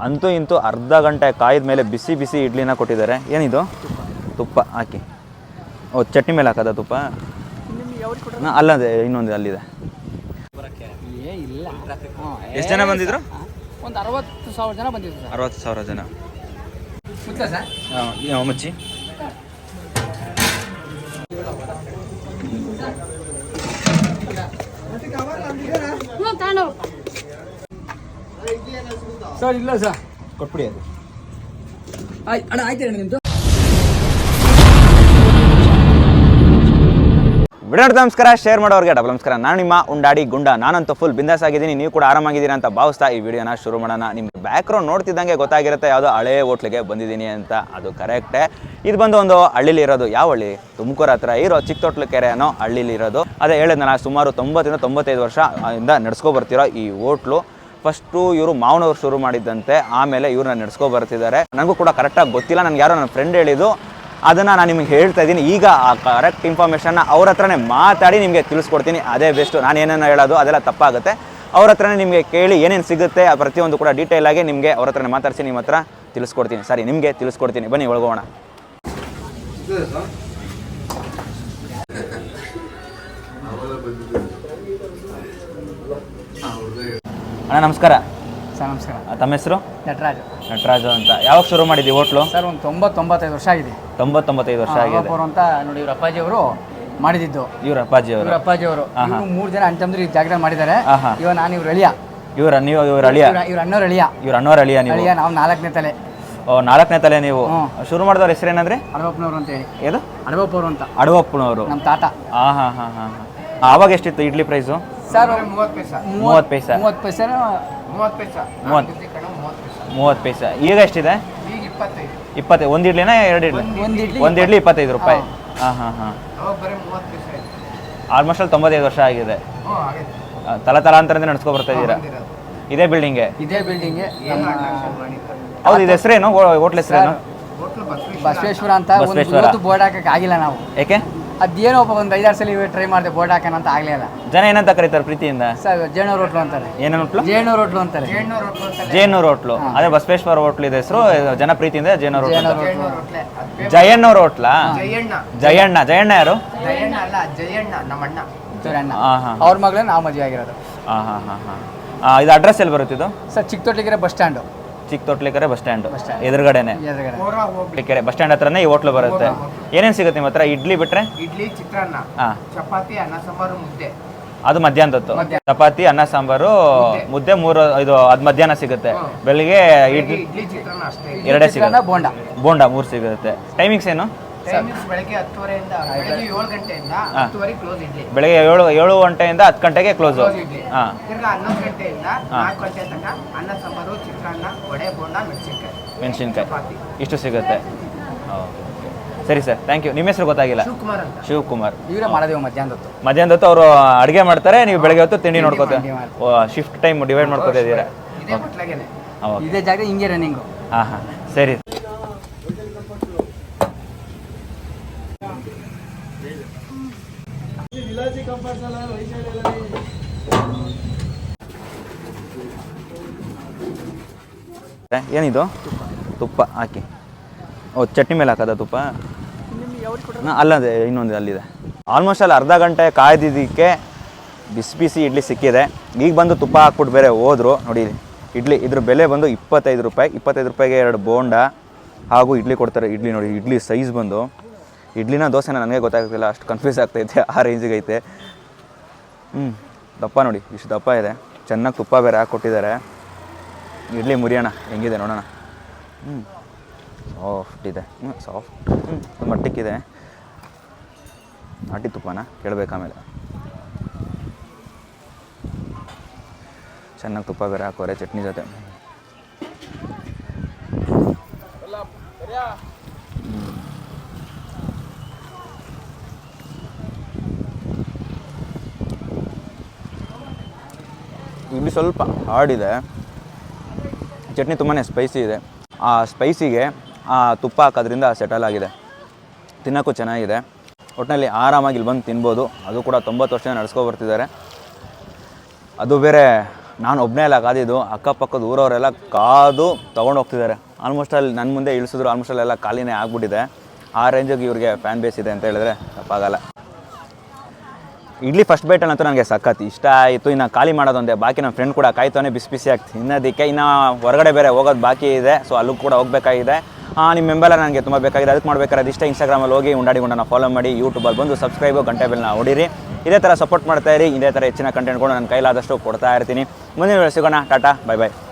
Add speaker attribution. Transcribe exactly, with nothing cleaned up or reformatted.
Speaker 1: ಅಂತೂ ಇಂತೂ ಅರ್ಧ ಗಂಟೆ ಕಾಯ್ದ ಮೇಲೆ ಬಿಸಿ ಬಿಸಿ ಇಡ್ಲಿನ ಕೊಟ್ಟಿದ್ದಾರೆ. ಏನಿದು? ತುಪ್ಪ ಹಾಕಿ. ಓ, ಚಟ್ನಿ ಮೇಲೆ ಹಾಕೋದ ತುಪ್ಪ? ಅಲ್ಲದೆ ಇನ್ನೊಂದು ಅಲ್ಲಿದೆ. ಎಷ್ಟು ಜನ ಬಂದಿದ್ರು?
Speaker 2: ಒಂದು ಅರವತ್ತು ಸಾವಿರ ಜನ ಬಂದಿದ್ರು.
Speaker 1: ಅರವತ್ತು ಸಾವಿರ ಜನ ಮುಚ್ಚಿ.
Speaker 2: ಸರ್ ಇಲ್ಲ ಸರ್
Speaker 1: ಕೊಟ್ಬಿಡಿ ಅದು.
Speaker 2: ಆಯ್ತು ಅಣ್ಣ, ಆಯ್ತು ಅಣ್ಣ ನಿಮ್ಮದು.
Speaker 1: ವಿಡಿಯೋ ನಮಸ್ಕಾರ, ಶೇರ್ ಮಾಡೋರಿಗೆ ಡಬಲ್ ನಮಸ್ಕಾರ. ನಾನು ನಿಮ್ಮ ಉಂಡಾಡಿ ಗುಂಡ. ನಾನಂತೂ ಫುಲ್ ಬಿಂದಾಸ್ ಆಗಿದ್ದೀನಿ, ನೀವು ಕೂಡ ಆರಾಮಾಗಿದ್ದೀರಾ ಅಂತ ಭಾವಿಸ್ತಾ ಈ ವಿಡಿಯೋನ ಶುರು ಮಾಡೋಣ. ನಿಮ್ಗೆ ಬ್ಯಾಕ್ಗ್ರೌಂಡ್ ನೋಡ್ತಿದ್ದಂಗೆ ಗೊತ್ತಾಗಿರುತ್ತೆ ಯಾವುದೋ ಹಳೆ ಹೋಟ್ಲಿಗೆ ಬಂದಿದ್ದೀನಿ ಅಂತ. ಅದು ಕರೆಕ್ಟೇ. ಇದು ಬಂದು ಒಂದು ಹಳ್ಳಿಲಿ ಇರೋದು. ಯಾವ ಹಳ್ಳಿ? ತುಮಕೂರು ಹತ್ರ ಇರೋ ಚಿಕ್ಕತೊಟ್ಲು ಕೆರೆ ಅನ್ನೋ ಹಳ್ಳಿಲಿ ಇರೋದು. ಅದೇ ಹೇಳಿದ್ನಲ್ಲ, ಸುಮಾರು ತೊಂಬತ್ತರಿಂದ ತೊಂಬತ್ತೈದು ವರ್ಷ ಇಂದ ನಡ್ಸ್ಕೊ ಬರ್ತಿರೋ ಈ ಹೋಟ್ಲು. ಫಸ್ಟು ಇವರು ಮಾವನವ್ರು ಶುರು ಮಾಡಿದ್ದಂತೆ, ಆಮೇಲೆ ಇವ್ರನ್ನ ನಡ್ಸ್ಕೊ ಬರ್ತಿದ್ದಾರೆ. ನನಗೂ ಕೂಡ ಕರೆಕ್ಟಾಗಿ ಗೊತ್ತಿಲ್ಲ, ನನಗೆ ಯಾರೋ ನನ್ನ ಫ್ರೆಂಡ್ ಹೇಳಿದ್ದು, ಅದನ್ನು ನಾನು ನಿಮಗೆ ಹೇಳ್ತಾ ಇದ್ದೀನಿ. ಈಗ ಆ ಕರೆಕ್ಟ್ ಇನ್ಫಾರ್ಮೇಷನ್ನ ಅವ್ರ ಹತ್ರನೇ ಮಾತಾಡಿ ನಿಮಗೆ ತಿಳಿಸ್ಕೊಡ್ತೀನಿ. ಅದೇ ಬೆಸ್ಟು. ನಾನು ಏನೇನು ಹೇಳೋದು ಅದೆಲ್ಲ ತಪ್ಪಾಗುತ್ತೆ. ಅವ್ರ ಹತ್ರನೇ ನಿಮಗೆ ಕೇಳಿ ಏನೇನು ಸಿಗುತ್ತೆ ಆ ಪ್ರತಿಯೊಂದು ಕೂಡ ಡೀಟೇಲಾಗಿ ನಿಮಗೆ ಅವ್ರ ಹತ್ರನೇ ಮಾತಾಡಿಸಿ ನಿಮ್ಮ ಹತ್ರ ತಿಳಿಸ್ಕೊಡ್ತೀನಿ. ಸರಿ, ನಿಮಗೆ ತಿಳಿಸ್ಕೊಡ್ತೀನಿ. ಬನ್ನಿ ಒಳಗೋಣ. ಅಣ್ಣ ನಮಸ್ಕಾರ.
Speaker 2: ಸರ್ ನಮಸ್ಕಾರ.
Speaker 1: ತಮ್ಮ ಹೆಸರು?
Speaker 2: ನಟರಾಜು.
Speaker 1: ನಟರಾಜು ಅಂತ. ಯಾವಾಗ ಶುರು ಮಾಡಿದ್ವಿ ಹೋಟ್ಲು?
Speaker 2: ಸರ್ ಒಂದು ತೊಂಬತ್ತೊಂಬತ್ತೈದು ವರ್ಷ ಆಗಿದೆ.
Speaker 1: ತೊಂಬತ್ತೊಂಬತ್ತೈದು ವರ್ಷ ಆಗಿದೆ
Speaker 2: ಅಂತ ನೋಡಿ. ಇವ್ರ ಅಪ್ಪಾಜಿ ಅವರು ಮಾಡಿದ್ದು.
Speaker 1: ಇವ್ರ ಅಪ್ಪಾಜಿ ಅವರು?
Speaker 2: ಇವ್ರ ಅಪ್ಪಾಜಿ ಅವರು ಮೂರು ಜನ ಅಣ್ತಂದ್ರು ಈ ಜಾಗದಲ್ಲಿ ಮಾಡಿದ್ದಾರೆ. ಇವಾಗ ನಾನು ಇವ್ರ ಅಳಿಯ.
Speaker 1: ಇವ್ರ ನೀವು ಇವ್ರ ಅಳಿಯ?
Speaker 2: ಇವ್ರ ಅಣ್ಣವ್ರ ಅಳಿಯ.
Speaker 1: ಇವ್ರ ಅಣ್ಣವ್ರ ಅಳಿಯ ನೀವು?
Speaker 2: ಅಳಿಯ. ನಾವು ನಾಲ್ಕನೇ ತಲೆ.
Speaker 1: ಓ, ನಾಲ್ಕನೇ ತಲೆ ನೀವು. ಶುರು ಮಾಡಿದವ್ರ ಹೆಸರೇನಂದ್ರೆ?
Speaker 2: ಅಡವಪ್ಪನವರು ಅಂತ ಹೇಳಿ.
Speaker 1: ಏನು?
Speaker 2: ಅಡವಪ್ಪವರು ಅಂತ.
Speaker 1: ಅಡವಪ್ಪನವರು
Speaker 2: ನಮ್ಮ ತಾತ.
Speaker 1: ಹಾಂ ಹಾಂ ಹಾಂ ಹಾಂ ಹಾಂ. ಆವಾಗ ಎಷ್ಟಿತ್ತು ಇಡ್ಲಿ ಪ್ರೈಸು?
Speaker 2: ಸರ್ ಮೂವತ್ತು ಪೈಸೆ.
Speaker 1: ಮೂವತ್ತು ಪೈಸೆ.
Speaker 2: ಮೂವತ್ತು ಪೈಸೆ. ಮೂವತ್ತು ಪೈಸೆ.
Speaker 1: ಮೂವತ್ತು ಮೂವತ್ತು ಪೈಸೆ. ಈಗ ಎಷ್ಟಿದೆ?
Speaker 2: ಈಗ ಇಪ್ಪತ್ತೈದು.
Speaker 1: ಇಪ್ಪತ್ತೈದು. ಒಂದು ಇಡ್ಲಿನ ಎರಡು ಇಡ್ಲಿ?
Speaker 2: ಒಂದು ಇಡ್ಲಿ.
Speaker 1: ಒಂದು ಇಡ್ಲಿ ಇಪ್ಪತ್ತೈದು ರೂಪಾಯಿ. ಹಾಂ ಹಾಂ ಹಾಂ. ಆಲ್ಮೋಸ್ಟ್ ಅಲ್ಲಿ ತೊಂಬತ್ತೈದು ವರ್ಷ ಆಗಿದೆ. ತಲ ತಲಾಂತರದಿಂದ ನಡ್ಸ್ಕೊ ಬರ್ತಾ ಇದ್ದೀರಾ? ಇದೇ ಬಿಲ್ಡಿಂಗ್ಗೆ? ಇದೇ ಬಿಲ್ಡಿಂಗ್ಗೆ. ಹೌದು. ಇದು ಹೆಸರೇನು? ಹೋಟ್ಲ್ ಹೆಸರೇನು?
Speaker 2: ಬಸವೇಶ್ವರ ಅಂತ. ಒಂದು ಬೋರ್ಡ್ ಹಾಕಕ್ಕೆ ಆಗಿಲ್ಲ ನಾವು.
Speaker 1: ಯಾಕೆ?
Speaker 2: ಅದೇನೋ ಒಂದು ಐದಾರು ಸಲ ಟ್ರೈ ಮಾಡಿದೆ ಬೋರ್ಡ್ ಹಾಕೋಣ ಅಂತ ಆಗಲಿಲ್ಲ.
Speaker 1: ಜನ ಏನಂತ ಕರೀತಾರೆ ಪ್ರೀತಿಯಿಂದ?
Speaker 2: ಸರ್ ಜೇನೂರು ಹೋಟ್ಲು ಅಂತಾರೆ.
Speaker 1: ಏನೇನು ಹೋಟ್ಲು?
Speaker 2: ಜೇನೂರು ಹೋಟ್ಲು ಅಂತಾರೆ.
Speaker 1: ಜೇನೂರು ಹೋಟ್ಲು. ಅದೇ ಬಸವೇಶ್ವರ ಹೋಟ್ಲು ಇದೆ ಹೆಸರು. ಜನ ಪ್ರೀತಿಯಿಂದ ಜೇನೂರು ಹೋಟ್ಲು. ಜಯಣ್ಣವ್ರ ಹೋಟ್ಲಾ? ಜಯಣ್ಣ. ಜಯಣ್ಣ ಯಾರು?
Speaker 2: ಅವ್ರ ಮಗಳೇ ನಾವು ಮದುವೆ ಆಗಿರೋದು.
Speaker 1: ಹಾಂ ಹಾಂ ಹಾಂ ಹಾಂ. ಇದು ಅಡ್ರೆಸ್ ಎಲ್ಲಿ ಬರುತ್ತಿದ್ದು?
Speaker 2: Sir Chikkatotlikere bus stand.
Speaker 1: Chikkatotlikere bus stand ಎದುರುಗಡೆನೆ. ಕೆರೆ ಬಸ್ ಸ್ಟ್ಯಾಂಡ್ ಹತ್ರನೇ ಈ ಹೋಟ್ಲು ಬರುತ್ತೆ. ಏನೇನು ಸಿಗುತ್ತೆ ನಿಮ್ಮ ಹತ್ರ? ಇಡ್ಲಿ ಬಿಟ್ರೆ?
Speaker 2: ಇಡ್ಲಿ, ಚಿತ್ರಾನ್ನ, ಚಪಾತಿ, ಅನ್ನ ಸಾಂಬಾರು, ಮುದ್ದೆ.
Speaker 1: ಅದು ಮಧ್ಯಾಹ್ನದತ್ತು. ಚಪಾತಿ, ಅನ್ನ ಸಾಂಬಾರು, ಮುದ್ದೆ ಮೂರು. ಇದು ಅದು ಮಧ್ಯಾಹ್ನ ಸಿಗುತ್ತೆ. ಬೆಳಿಗ್ಗೆ ಇಡ್ಲಿ, ಎರಡೇ ಸಿಗುತ್ತೆ. ಬೋಂಡ ಬೋಂಡ ಮೂರು ಸಿಗುತ್ತೆ. ಟೈಮಿಂಗ್ಸ್ ಏನು?
Speaker 2: ಬೆಳಗ್ಗೆ ಹತ್ತುವರೆಯಿಂದ ಬೆಳಗ್ಗೆ ಏಳು ಗಂಟೆಯಿಂದ ಹತ್ತುವರೆಗೆ ಕ್ಲೋಸ್ ಇಡ್ಲಿ.
Speaker 1: ಬೆಳಗ್ಗೆ ಏಳು ಏಳು ಗಂಟೆಯಿಂದ ಹತ್ತು ಗಂಟೆಗೆ ಕ್ಲೋಸು. ಹಾಂ.
Speaker 2: ತಿರ್ಗಾ ಹನ್ನೊಂದು ಗಂಟೆಯಿಂದ ನಾಲ್ಕು ಗಂಟೆ ತನಕ ಅನ್ನ ಸಾಂಬಾರು, ಚಿತ್ರಾನ್ನ, ವಡೆ, ಬೋಂಡ, ಮೆಣಸಿನ್ಕಾಯಿ.
Speaker 1: ಮೆಣಸಿನ್ಕಾಯಿ ಇಷ್ಟು ಸಿಗುತ್ತೆ. ಸರಿ ಸರ್, ಥ್ಯಾಂಕ್ ಯು. ನಿಮ್ಮ ಹೆಸರು ಗೊತ್ತಾಗಿಲ್ಲ?
Speaker 2: ಶಿವಕುಮಾರ್ ಅಂತ.
Speaker 1: ಶಿವಕುಮಾರ್.
Speaker 2: ಇವರೇ ಮಾಡೋದೇವು ಮಧ್ಯಾಹ್ನದತ್ತು.
Speaker 1: ಮಧ್ಯಾಹ್ನದತ್ತು ಅವರು ಅಡುಗೆ ಮಾಡ್ತಾರೆ, ನೀವು ಬೆಳಗ್ಗೆ ಹೊತ್ತು ತಿಂಡಿ ನೋಡ್ಕೋತಾರೆ. ಶಿಫ್ಟ್ ಟೈಮ್ ಡಿವೈಡ್ ಮಾಡ್ಕೋತಾ ಇದ್ದೀರಾ?
Speaker 2: ಇದೇ ಜಾಗ ಹಿಂಗೆ ರನ್ನಿಂಗು.
Speaker 1: ಹಾಂ ಹಾಂ, ಸರಿ. ಏನಿದು? ತುಪ್ಪ ಹಾಕಿ. ಓ, ಚಟ್ನಿ ಮೇಲೆ ಹಾಕೋದ ತುಪ್ಪ? ಅಲ್ಲದೆ ಇನ್ನೊಂದು ಅಲ್ಲಿದೆ. ಆಲ್ಮೋಸ್ಟ್ ಅಲ್ಲಿ ಅರ್ಧ ಗಂಟೆ ಕಾಯ್ದಿದ್ದಕ್ಕೆ ಬಿಸಿ ಬಿಸಿ ಇಡ್ಲಿ ಸಿಕ್ಕಿದೆ. ಈಗ ಬಂದು ತುಪ್ಪ ಹಾಕ್ಬಿಟ್ಟು ಬೇರೆ ಹೋದ್ರು. ನೋಡಿ ಇಡ್ಲಿ, ಇದ್ರ ಬೆಲೆ ಬಂದು ಇಪ್ಪತ್ತೈದು ರೂಪಾಯಿ. ಇಪ್ಪತ್ತೈದು ರೂಪಾಯಿಗೆ ಎರಡು ಬೋಂಡ ಹಾಗೂ ಇಡ್ಲಿ ಕೊಡ್ತಾರೆ. ಇಡ್ಲಿ ನೋಡಿ, ಇಡ್ಲಿ ಸೈಜ್ ಬಂದು ಇಡ್ಲಿನ ದೋಸೆನ ನನಗೆ ಗೊತ್ತಾಗ್ತಿಲ್ಲ, ಅಷ್ಟು ಕನ್ಫ್ಯೂಸ್ ಆಗ್ತೈತೆ. ಆ ರೇಂಜಿಗೆ ಐತೆ. ಹ್ಞೂ, ದಪ್ಪ ನೋಡಿ, ಇಷ್ಟು ದಪ್ಪ ಇದೆ. ಚೆನ್ನಾಗಿ ತುಪ್ಪ ಬೇರೆ ಹಾಕ್ಕೊಟ್ಟಿದ್ದಾರೆ. ಇಡ್ಲಿ ಮುರಿಯೋಣ ಹೆಂಗಿದೆ ನೋಡೋಣ. ಹ್ಞೂ, ಸಾಫ್ಟ್ ಇದೆ. ಹ್ಞೂ ಸಾಫ್ಟ್. ಹ್ಞೂ ಮಟ್ಟಕ್ಕಿದೆ. ನಾಟಿ ತುಪ್ಪನ ಕೇಳಬೇಕಾಮೇಲೆ. ಚೆನ್ನಾಗಿ ತುಪ್ಪ ಬೇರೆ ಹಾಕೋರೆ ಚಟ್ನಿ ಜೊತೆ. ಇಡ್ಲಿ ಸ್ವಲ್ಪ ಹಾರ್ಡಿದೆ. ಚಟ್ನಿ ತುಂಬಾ ಸ್ಪೈಸಿ ಇದೆ. ಆ ಸ್ಪೈಸಿಗೆ ಆ ತುಪ್ಪ ಹಾಕೋದ್ರಿಂದ ಸೆಟಲ್ ಆಗಿದೆ. ತಿನ್ನೋಕ್ಕೂ ಚೆನ್ನಾಗಿದೆ. ಒಟ್ಟಿನಲ್ಲಿ ಆರಾಮಾಗಿ ಇಲ್ಲಿ ಬಂದು ತಿನ್ಬೋದು. ಅದು ಕೂಡ ತೊಂಬತ್ತು ವರ್ಷ ನಡೆಸ್ಕೊ ಬರ್ತಿದ್ದಾರೆ. ಅದು ಬೇರೆ ನಾನು ಒಬ್ಬನೇ ಎಲ್ಲ ಕಾದಿದ್ದು, ಅಕ್ಕಪಕ್ಕದ ಊರವರೆಲ್ಲ ಕಾದು ತೊಗೊಂಡು ಹೋಗ್ತಿದ್ದಾರೆ. ಆಲ್ಮೋಸ್ಟ್ ಅಲ್ಲಿ ನನ್ನ ಮುಂದೆ ಇಳಿಸಿದ್ರು, ಆಲ್ಮೋಸ್ಟ್ ಅಲ್ಲೆಲ್ಲ ಖಾಲಿನೇ ಆಗ್ಬಿಟ್ಟಿದೆ. ಆ ರೇಂಜಿಗೆ ಇವ್ರಿಗೆ ಫ್ಯಾನ್ ಬೇಸ್ ಇದೆ ಅಂತ ಹೇಳಿದ್ರೆ ತಪ್ಪಾಗಲ್ಲ. ಇಡ್ಲಿ ಫಸ್ಟ್ ಬೈಟಲ್ಲಂತೂ ನನಗೆ ಸಖತ್ ಇಷ್ಟ ಆಯಿತು. ಇನ್ನು ಖಾಲಿ ಮಾಡೋದೊಂದೇ ಬಾಕಿ. ನನ್ನ ಫ್ರೆಂಡ್ ಕೂಡ ಕಾಯ್ತಾನೆ ಬಿಸಿ ಬಿಸಿ ಆಗ್ತಿ ಇನ್ನೋದಕ್ಕೆ. ಇನ್ನು ಹೊರಗಡೆ ಬೇರೆ ಹೋಗೋದು ಬಾಕಿ ಇದೆ, ಸೊ ಅಲ್ಲೂ ಕೂಡ ಹೋಗಬೇಕಾಗಿದೆ. ನಿಮ್ಮ ಮೆಂಬರ್ ನನಗೆ ತುಂಬ ಬೇಕಾಗಿದೆ. ಅದಕ್ಕೆ ಮಾಡಬೇಕಾದ್ರೆ ಅದಿಷ್ಟ ಇನ್ಸ್ಟಾಗ್ರಾಮಲ್ಲಿ ಹೋಗಿ ಉಂಡಾಡಿ ಗುಂಡನ ಫಾಲೋ ಮಾಡಿ, ಯೂಟ್ಯೂಬಲ್ಲಿ ಬಂದು ಸಬ್ಸ್ಕ್ರೈಬು ಗಂಟೆ ಬೆಲ್ನ ಹೊಡೀರಿ. ಇದೇ ಥರ ಸಪೋರ್ಟ್ ಮಾಡ್ತಾಯಿರಿ. ಇದೇ ಥರ ಹೆಚ್ಚಿನ ಕಂಟೆಂಟ್ಗಳು ನನ್ನ ಕೈಲಾದಷ್ಟು ಕೊಡ್ತಾ ಇರ್ತೀನಿ. ಮುಂದಿನ ವೇಳೆ ಸಿಗೋಣ. Tata, bye by.